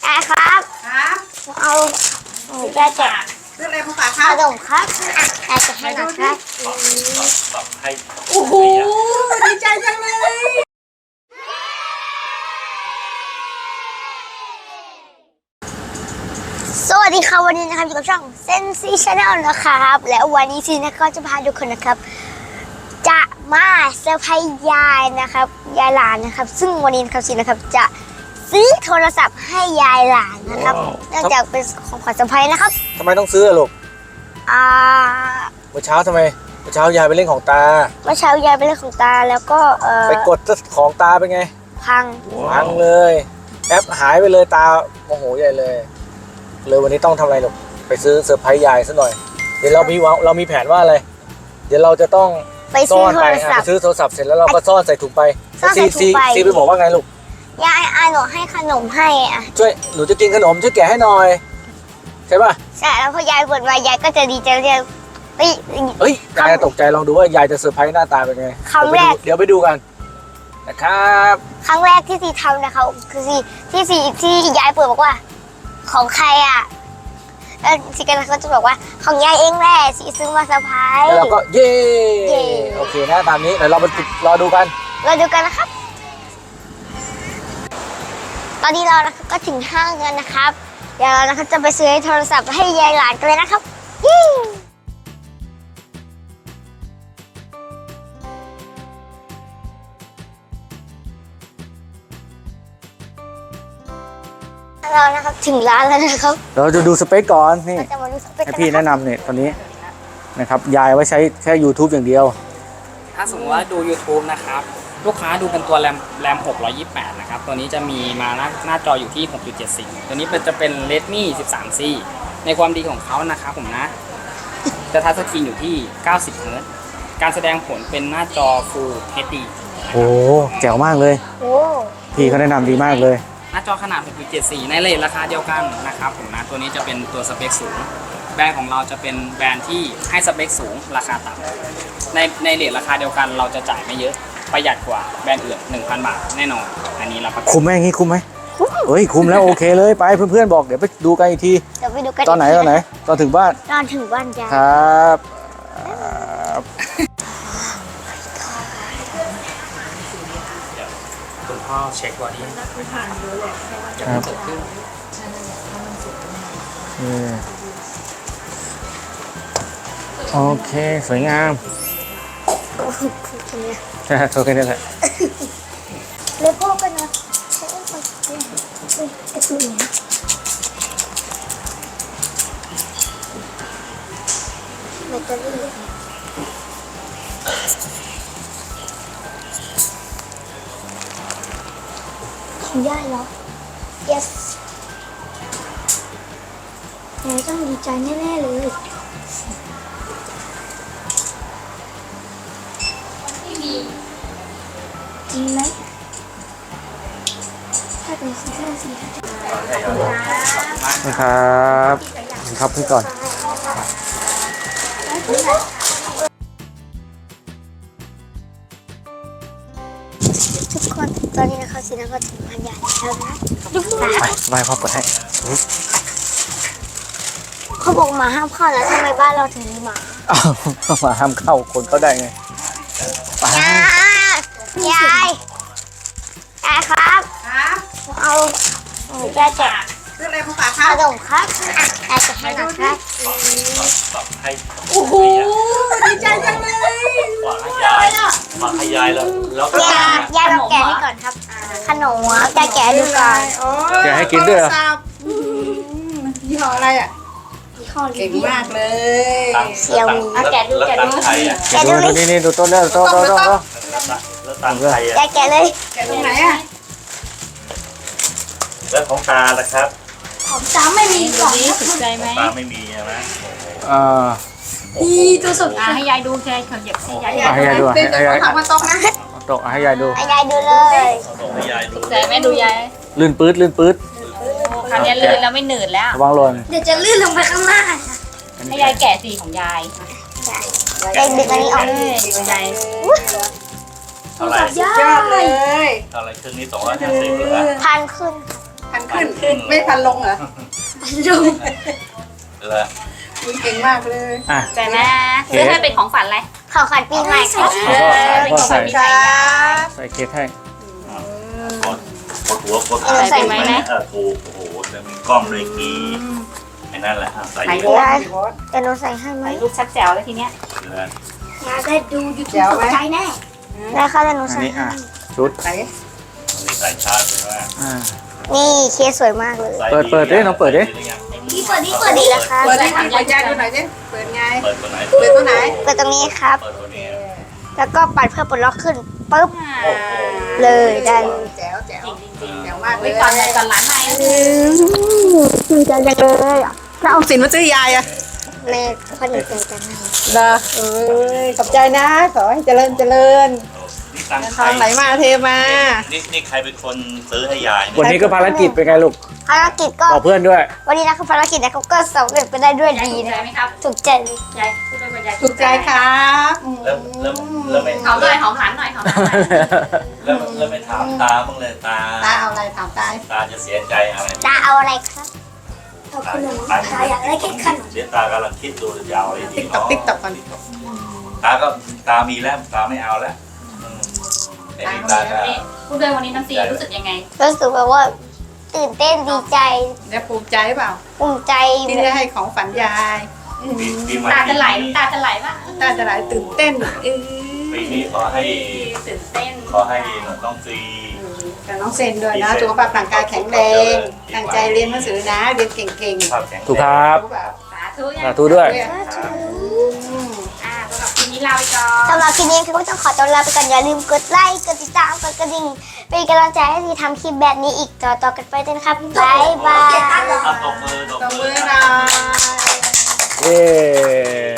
ครับเอาได้แจกซื้ออะไรมาฝากคขรับนมครับได้จะให้หน่อยครับโอ้โหดีใจจังเลยสวัสดีครับวันนี้นะครับอยู่กับช่องเซนซี่ชาแนลนะครับแล้ววันนี้ซีนะก็จะพาทุกคนนะครับจะมาเซอร์ไพรส์ยายนะครับยายหลานนะครับซึ่งวันนี้นะครับซีนะครับจะซื้อโทรศัพท์ให้ยายหลานนะครับเนื่องจากเป็นของขวัญเซอร์ไพรส์นะครับทำไมต้องซื้อลูกเมื่อเช้าทำไมเมื่อเช้ายายไปเล่นของตาเมื่อเช้ายายไปเล่นของตาแล้วก็ไปกดของตาเป็นไงพังเลยแอปหายไปเลยตาโมโหใหญ่เลยวันนี้ต้องทำอะไรลูกไปซื้อเซอร์ไพรส์ยายซะหน่อยเดี๋ยวเรามีแผนว่าอะไรเดี๋ยวเราจะต้องไปซื้อโทรศัพท์ซื้อโทรศัพท์เสร็จแล้วเราก็ซ่อนใส่ถุงไปซีไปบอกว่าไงลูกยายหนูให้ขนมให้ช่วยหนูจะกินขนมช่วยแกะให้หน่อยใช่ป่ะใช่แล้วพอยายบ่นมายายก็จะดีใจเลยเฮ้ยยายตกใจลองดูว่ายายจะเซอร์ไพรส์หน้าตาเป็นไงครั้งแรกเดี๋ยวไปดูกันนะครับครั้งแรกที่ซีทำนะคะคือที่ยายเปิดบอกว่าของใครแล้วซีกันเขาจะบอกว่าของยายเองแหละซีซื้อมาเซอร์ไพรส์แล้วเราก็เย่โอเคนะตามนี้เดี๋ยวเราไปรอดูกันนะครับตอนนี้เราก็ถึงห้างกันนะครับเดี๋ยวเรานะครับจะไปซื้อโทรศัพท์ให้ยายหลานกันเลยนะครับเรานะครับถึงร้านแล้วนะครับเราจะดูสเปคก่อนนี่ให้พี่แนะนำเนี่ยตอนนี้นะครับยายไว้ใช้แค่ YouTube อย่างเดียวถ้าสมมติว่าดู YouTube นะครับลูกค้าดูเป็นตัวแรม628นะครับตัวนี้จะมีมาหน้าจออยู่ที่ 6.74 ตัวนี้จะเป็น Redmi 13C ในความดีของเขานะครับผมนะจะทัชสกรีนอยู่ที่90 เฮิร์ตซ์การแสดงผลเป็นหน้าจอ Full HD โอ้แจ๋วมากเลยพี่เขาแนะนำดีมากเลยหน้าจอขนาด 6.74 ในเรทราคาเดียวกันนะครับผมนะตัวนี้จะเป็นตัวสเปคสูงแบรนด์ของเราจะเป็นแบรนด์ที่ให้สเปคสูงราคาต่ำในเรทราคาเดียวกันเราจะจ่ายไม่เยอะประหยัดกว่าแบรนด์อื่น 1,000 บาทแน่นอนอันนี้เราคุ้มไหมอย่างนี้คุ้มไหมเฮ้ยคุ้มแล้วโอเคเลยไปเพื่อนๆบอกเดี๋ยวไปดูกันอีกทีเดี๋ยวไปดูกันตอนไหนตอนถึงบ้านจ้าครับคุณพ่อเช็คบอดี้ครับโอเคสวยงามใช่โอเคนี่แหละเลยพ่อกันนะกระตุ้นแบตเตอรี่ของย่าเหรอ yes แม่ต้องดีใจแน่ๆเลยจริงไหมถ้าเป็นสีนะครับครับพี่ก่อนทุกคนตอนนี้นะคะซีน่าก็ถึงงานใหญ่แล้วนะไปพ่อเปิดให้เขาบอกหมาห้ามเข้าแล้วทำไมบ้านเราถึงมีหมาหมาห้ามเข้าคนเข้าได้ไงยายครับเอาได้แจกซื้ออะไรมาฝากครับขนมครับได้จะให้หน่อยครับโอ้โหดีใจจังเลยฝากให้ยายแล้วก็ยายมาแกะให้ก่อนครับขนมจะแกะดูก่อนแกะให้กินด้วยเหรอยี่ห้ออะไรเก่งมากเลยเซียวมีแกะดูนี่ดูต้นแล้วต้นแล้วตังไทยแกะเลยแกะตรงไหนแล้วของตาล่ะครับของตาไม่มีกล่องถูกใจไหมตาไม่มีใช่ไหมดีตัวสุดให้ยายดูแค่เขาหยิบให้ยายให้ยายดูให้ยายถามมาตรงนะโต๊ะให้ยายดูให้ยายดูเลยให้ยายดูใจแม่ดูยายลื่นปื๊ดคราวนี้ลื่นแล้วไม่หนืดแล้วระวังหล่นเดี๋ยวจะลื่นลงไปข้างล่างให้ยายแกะสีของยายยายดึงอันนี้ออกยายเท่าไหร่ยอดเลยเท่าไหร่ครึ่งนี้250เหรอพันขึ้นขึ้นไม่พันลงเหรอเหรอคุณเก่งมากเลยอ่ะใจไหมซื้อให้เป็นของฝันอะไรของขวัญปีใหม่ครับเป็นของฝันปีใหม่นะใส่เค้กให้กดหัวกดถูกโอ้โหแล้วมีกล้องเลยกีไอ้นั่นแหละใส่ถ่ายเยรูอะปแต่หนูใส่ให้ไหมถ่ายรูปชัดแจ๋วเลยทีเนี้ยเลยอยากได้ดูยูทูเดี๋บยวตไหมกใจแน่ได้ค่ะแต่หนูอันใส่นี้ให้ชุดไหนมีสายชาร์จเลยว่านี่เคสสวยมากเลยเปิดดิน้องเปิดดินี่เปิดดีแล้วครับเปิดให้ทำยายดูหน่อยสิเปิดไงเปิดตัวไหนเปิดตัวไหนเปิดตรงนี้ครับเปิดตัวนี้แล้วก็ปัดเพื่อปลดล็อกขึ้นปุ๊บโอ้โหเลยได้แจ๋วแจ๋วจริงแจ๋วมากเลไว้ยก่อนเลยก่อนร้านใหม่ดีใจจังเลยอ่ะแล้วเอาสินมาซื้อยายอะแม่คนดีใจจังเลยเด้อเอ้ยขอบใจนะขอให้เจริญเจริญนี่ตังค์ทองไหลมาเทมานี่ใครเป็นคนซื้อให้ยายวันนี้ก็ภารกิจเป็นไงลูกภารกิจก็บอกเพื่อนด้วยวันนี้นะครับภารกิจนะครับก็สำเร็จไปได้ด้วยยายดีถูกนะใจไหมครับถูกใจเลยยายพูดด้วยว่ายายถูกใจครับอืมแล้วไม่หอมหน่อยหอมหลานหน่อยหอมหลานหน่อยแล้วไม่ถามตาบ้างเลยตาตาเอาอะไรถามตาตาจะเสียใจอะไรตาเอาอะไรครับเอาขนมตาอยากได้แค่ขนมเดี๋ยวตากำลังคิดดูจะเอาอะไรดีติ๊กตอกติ๊กตอกก่อนตามีแล้วตาไม่เอาแล้วไอ้นี่ตาก็นี่พูดด้วยวันนี้น้ำซีรู้สึกยังไงรู้สึกแบบว่าตื่นเต้นดีใจแล้วภูมิใจเปล่าภูมิใจที่ได้ให้ของฝันยายปีใหม่ตาจะไหลน้ำตาจะไหลป่ะตาจะไหลตื่นเต้นเออปีนี้ขอให้ตื่นเต้นขอให้น้องซีกับน้องเซนด้วยนะสุขภาพร่างกายแข็งแรงตั้งใจเรียนหนังสือนะเรียนเก่งๆภาพแข็งถูกครับรู้เปล่าสาธุยังสาธุด้วยอืมสำหรับทีนี้ลาไปก่อนสำหรับคลิปนี้คือก็ต้องขอตัวลาไปก่อนอย่าลืมกดไลค์กดติดตามกดกระดิ่งเป็นกำลังใจให้ทีทำคลิปแบบนี้อีกต่อกันไปด้วยนะครับบ๊ายบายตบมือตบมือหน่อยเย้